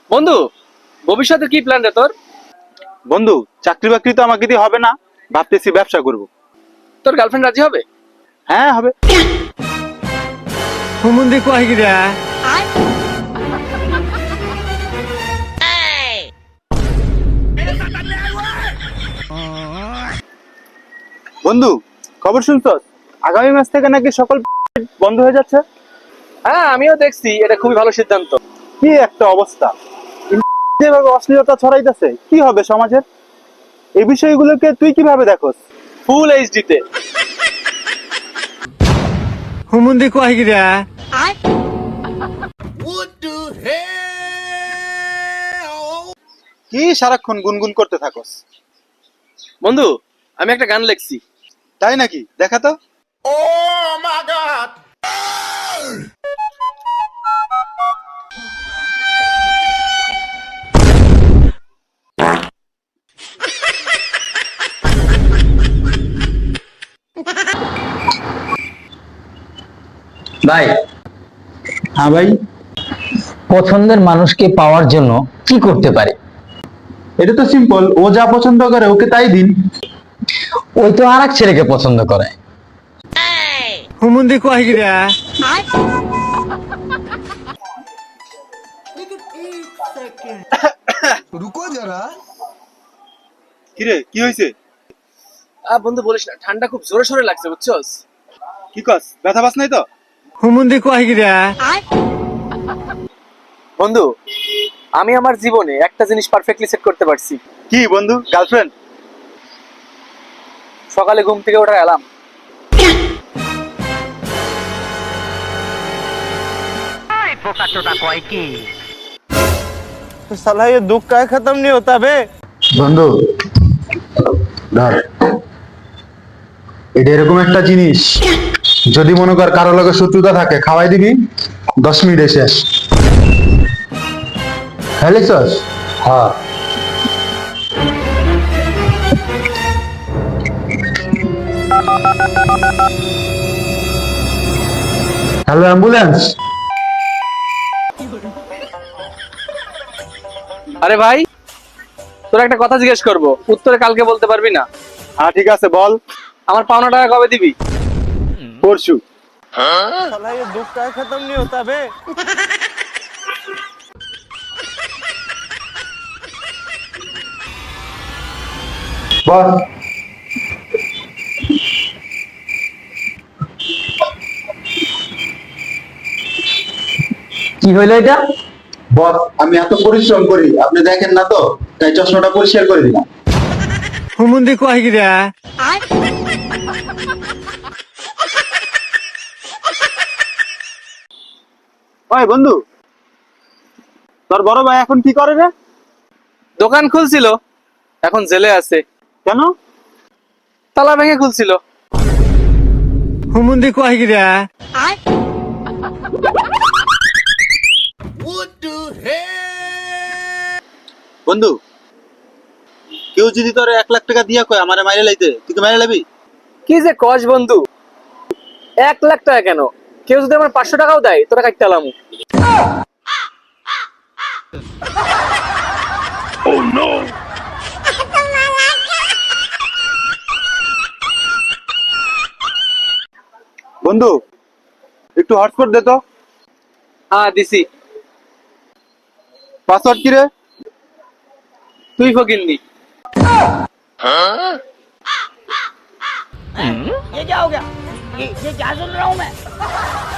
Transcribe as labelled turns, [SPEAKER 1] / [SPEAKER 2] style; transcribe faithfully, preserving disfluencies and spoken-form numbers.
[SPEAKER 1] বন্ধু, ভবিষ্যতে কি প্ল্যান রে তোর?
[SPEAKER 2] বন্ধু, চাকরি বাকরি তো আমাকে দিয়ে হবে না, ভাবতেছি ব্যবসা করব।
[SPEAKER 1] তোর গার্লফ্রেন্ড রাজি হবে?
[SPEAKER 2] হ্যাঁ, হবে।
[SPEAKER 3] হুমুন্দি কয় গিরা
[SPEAKER 2] বন্ধু, খবর শুনছস? আগামী মাস থেকে নাকি সকল বন্ধ হয়ে যাচ্ছে।
[SPEAKER 1] হ্যাঁ, আমিও দেখছি, এটা খুবই ভালো সিদ্ধান্ত।
[SPEAKER 2] কি একটা অবস্থা! যেভাবে অশ্লীলতা ছড়াইতেছে, কি হবে সমাজের? এই বিষয়গুলোকে তুই কিভাবে দেখোস?
[SPEAKER 1] ফুল এইচডি তে।
[SPEAKER 3] হুমুন্দি কয় গিরা
[SPEAKER 2] কি সারাক্ষণ গুনগুন করতে থাকোস?
[SPEAKER 1] বন্ধু, আমি একটা গান লিখছি।
[SPEAKER 2] তাই নাকি? দেখা তো।
[SPEAKER 4] ভাই,
[SPEAKER 2] হ্যাঁ ভাই,
[SPEAKER 4] পছন্দের মানুষকে পাওয়ার জন্য কি করতে পারি?
[SPEAKER 2] এটা তো সিম্পল। ও যা পছন্দ করে ওকে তাই দিন।
[SPEAKER 4] ওই তো আর এক ছেলেকে পছন্দ করে।
[SPEAKER 3] হুমুন্দি কয় গিরা
[SPEAKER 2] কিরে, কি হয়েছে?
[SPEAKER 1] আ বন্ধু বলিস না, ঠান্ডা খুব জোরে সোরে লাগছে, বুঝছস?
[SPEAKER 2] কি কস? ব্যথা পাস নাই তো?
[SPEAKER 3] হুমুন্দি কয় গিরা
[SPEAKER 1] বন্ধু, আমি আমার জীবনে একটা জিনিস পারফেক্টলি সেট করতে পারছি।
[SPEAKER 2] কি বন্ধু, গার্লফ্রেন্ড?
[SPEAKER 1] সকালে ঘুম থেকে ওঠার অ্যালার্ম।
[SPEAKER 3] साला ये दुख का खत्म नहीं होता बे।
[SPEAKER 5] বন্ধু ধর, এটা এরকম একটা জিনিস, যদি মনে কর কারো লগে শত্রুতা থাকে, খাওয়াই দিবি, দশ মিনিটে শেষ। হ্যাঁ লিখছস? হ্যাঁ। Hello ambulance.
[SPEAKER 1] আরে ভাই, তোর একটা কথা জিজ্ঞেস করবো, উত্তরে কালকে বলতে পারবি না?
[SPEAKER 2] হ্যাঁ ঠিক আছে, বল।
[SPEAKER 1] আমার পাওনা টাকা কবে দিবি?
[SPEAKER 2] পরশু।
[SPEAKER 3] साला ये दुख का खत्म नहीं होता बे।
[SPEAKER 5] বস,
[SPEAKER 4] কি হইলো এটা?
[SPEAKER 5] বস, আমি এত পরিশ্রম করি, আপনি দেখেন না তো, তাই চশমাটা পরিষ্কার করে দিলাম।
[SPEAKER 3] হুমুন্দি কয় গিরা
[SPEAKER 2] ওই বন্ধু, তোর বড় ভাই এখন কি করে রে?
[SPEAKER 1] দোকান খুলছিল, এখন জেলে আছে।
[SPEAKER 2] কেন?
[SPEAKER 1] তালা ভেঙে খুলছিল।
[SPEAKER 3] হুমুন্দি কয় গিরা
[SPEAKER 2] বন্ধু, কেউ যদি তোর এক লাখ টাকা দিয়া কয় আমারে মাইরে লাইতে, তুই কি মাইরে লাবি?
[SPEAKER 1] কি যে কস বন্ধু, এক লাখ টাকা কেন, কেউ যদি আমার পাঁচশো টাকাও দেয় তোরা কাটতে আলাম।
[SPEAKER 2] বন্ধু, একটু হটস্পট দে তো।
[SPEAKER 1] হ্যাঁ দিছি।
[SPEAKER 2] পাসওয়ার্ড কি রে?
[SPEAKER 1] তুই ফকিন্নি।
[SPEAKER 6] ये क्या हो गया? ये ये क्या सुन रहा हूँ मैं?